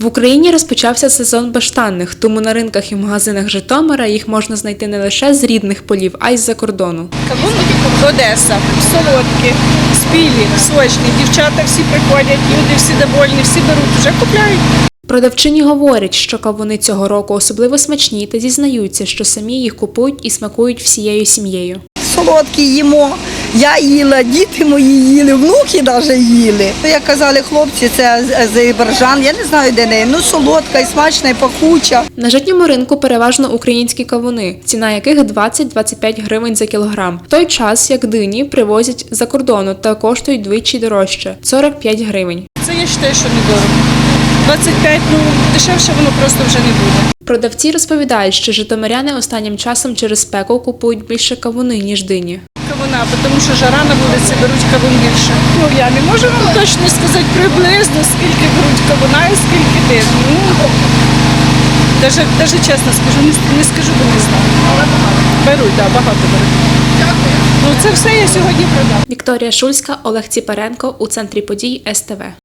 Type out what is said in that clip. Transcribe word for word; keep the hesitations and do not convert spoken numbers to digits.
В Україні розпочався сезон баштанних, тому на ринках і магазинах Житомира їх можна знайти не лише з рідних полів, а й з-за кордону. Кавун Одеса, солодкі, спілі, сочні. Дівчата всі приходять, люди всі довольні, всі беруть, вже купляють. Продавчині говорять, що кавуни цього року особливо смачні та зізнаються, що самі їх купують і смакують всією сім'єю. Солодкі їмо, я їла, діти мої їли, внуки навіть їли. Як казали хлопці, це з Азербайджан, я не знаю де неї, ну солодка і смачна, і пахуча. На житньому ринку переважно українські кавуни, ціна яких двадцять-двадцять п'ять гривень за кілограм. В той час, як дині привозять за кордону та коштують двічі дорожче – сорок п'ять гривень. Це я вважаю, що недорого. двадцять п'ять, ну дешевше воно просто вже не буде. Продавці розповідають, що житомиряни останнім часом через спеку купують більше кавуни, ніж дині. Кавуна, тому що жара на вулиці, беруть кавун більше. Ну я не можу вам точно сказати приблизно, скільки беруть кавуна і скільки дин. Ну, навіть, навіть чесно скажу, не, не скажу, бо не знаю. Але багато. Беруть, так, да, багато беруть. Дякую. Ну це все я сьогодні продав. Вікторія Шульська, Олег Ціпаренко у центрі подій ес те ве.